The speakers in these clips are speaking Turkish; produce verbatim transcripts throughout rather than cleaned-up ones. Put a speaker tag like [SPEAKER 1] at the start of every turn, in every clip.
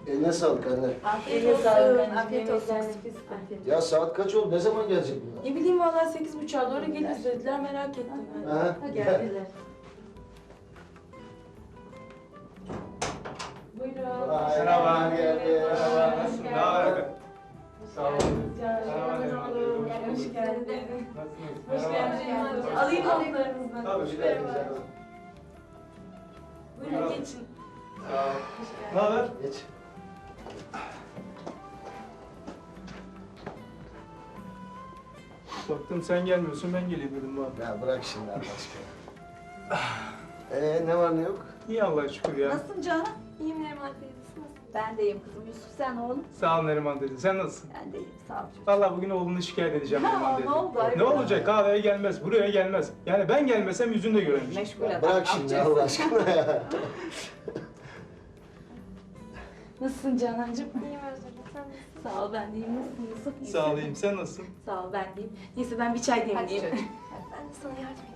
[SPEAKER 1] Eline sağlık anne.
[SPEAKER 2] Afiyet
[SPEAKER 3] Eline
[SPEAKER 2] olsun.
[SPEAKER 3] sağlık anneciğim.
[SPEAKER 2] Afiyet olsun.
[SPEAKER 3] Yemekler nefis. Afiyet.
[SPEAKER 1] Ya saat kaç oldu? Ne zaman gelecek bunlar?
[SPEAKER 3] Ne bileyim vallahi sekiz buçuğa doğru geliriz dediler, merak ettim ben.
[SPEAKER 1] Ha?
[SPEAKER 3] Geldiler. Buyurun.
[SPEAKER 1] Merhaba, geldi.
[SPEAKER 4] Merhaba, nasılsın? Ne haber? Sağ olun.
[SPEAKER 3] Hoş geldin.
[SPEAKER 4] Nasılsınız?
[SPEAKER 3] Hoş geldin.
[SPEAKER 4] Hoş
[SPEAKER 3] Alayım
[SPEAKER 4] bulduk.
[SPEAKER 3] notlarınızdan.
[SPEAKER 4] Tabii,
[SPEAKER 1] Hoş geldin canım.
[SPEAKER 3] Buyurun geçin.
[SPEAKER 4] Sağ ol. Ne haber?
[SPEAKER 1] Geç.
[SPEAKER 4] Baktım sen gelmiyorsun, ben geleyim dedim bari.
[SPEAKER 1] Ya bırak şimdi Allah aşkına. Ee, ne var ne yok?
[SPEAKER 4] İyi Allah'a şükür ya.
[SPEAKER 2] Nasılsın canım?
[SPEAKER 3] İyiyim Neriman teyzesi, nasıl?
[SPEAKER 2] Ben de iyiyim kızım. Yusuf sen oğlum.
[SPEAKER 4] Sağ ol Neriman dedi. Sen nasılsın?
[SPEAKER 2] Ben de iyiyim. Sağ ol çocuğum.
[SPEAKER 4] Vallahi bugün oğlunu şikayet edeceğim
[SPEAKER 2] Ha,
[SPEAKER 4] Neriman dedi.
[SPEAKER 2] ne oldu? Hayırdır?
[SPEAKER 4] Ne olacak? Kahveye gelmez, buraya gelmez. Yani ben gelmesem yüzünü de göremeyecek.
[SPEAKER 2] Meşgul
[SPEAKER 1] Ya
[SPEAKER 2] adam.
[SPEAKER 1] bırak şimdi
[SPEAKER 2] amcası.
[SPEAKER 1] Allah aşkına ya.
[SPEAKER 3] Nasılsın Canancığım?
[SPEAKER 5] İyiyim Özgür, sen nasılsın?
[SPEAKER 3] Sağ ol, ben de iyiyim. Nasılsın Yusuf? İyisin.
[SPEAKER 4] Sağ olayım. Sen nasılsın?
[SPEAKER 3] Sağ ol, ben de iyiyim. Neyse ben bir çay
[SPEAKER 2] Hadi
[SPEAKER 3] demleyeyim.
[SPEAKER 2] çocuğum.
[SPEAKER 5] Ben de sana yardım edeyim.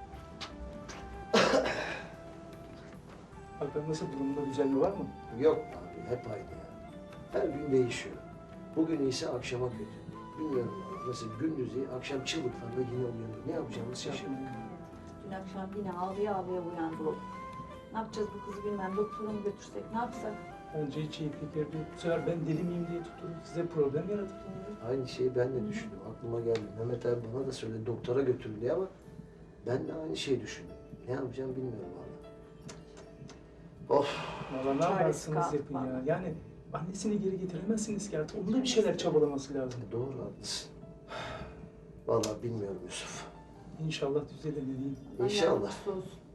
[SPEAKER 4] Bakalım nasıl, durumda düzelme var mı?
[SPEAKER 1] Yok abi hep aynı ya. Her gün değişiyor. Bugün iyiyse akşama kötü. Bilmiyorum abi. Mesela gündüz iyi, akşam çığlıklarla yine uyanıyor. Ne yapacağımızı şaşırdık.
[SPEAKER 2] Dün akşam yine ağlaya ağlaya uyandı o. Ne yapacağız bu kızı bilmem. Doktora mı götürsek? Ne yapsak?
[SPEAKER 4] Bence hiç iyi fikir değil. Bu sefer ben deli miyim diye tutturup size problem yaratır.
[SPEAKER 1] Aynı şeyi ben de düşündüm. Aklıma geldi. Mehmet abi bana da söyledi doktora götürün diye ama ben de aynı şeyi düşündüm. Ne yapacağım bilmiyorum valla. Of.
[SPEAKER 4] Valla ne
[SPEAKER 2] Çaresi
[SPEAKER 4] yaparsınız
[SPEAKER 2] kaldı
[SPEAKER 4] yapın ya.
[SPEAKER 2] vallahi.
[SPEAKER 4] Yani annesini geri getiremezsiniz ki artık. Onun da bir şeyler çabalaması lazım.
[SPEAKER 1] Doğru haklısın. Vallahi bilmiyorum Yusuf.
[SPEAKER 4] İnşallah düzelir ne diyeyim.
[SPEAKER 1] İnşallah.
[SPEAKER 2] Allah yardımcısı olsun.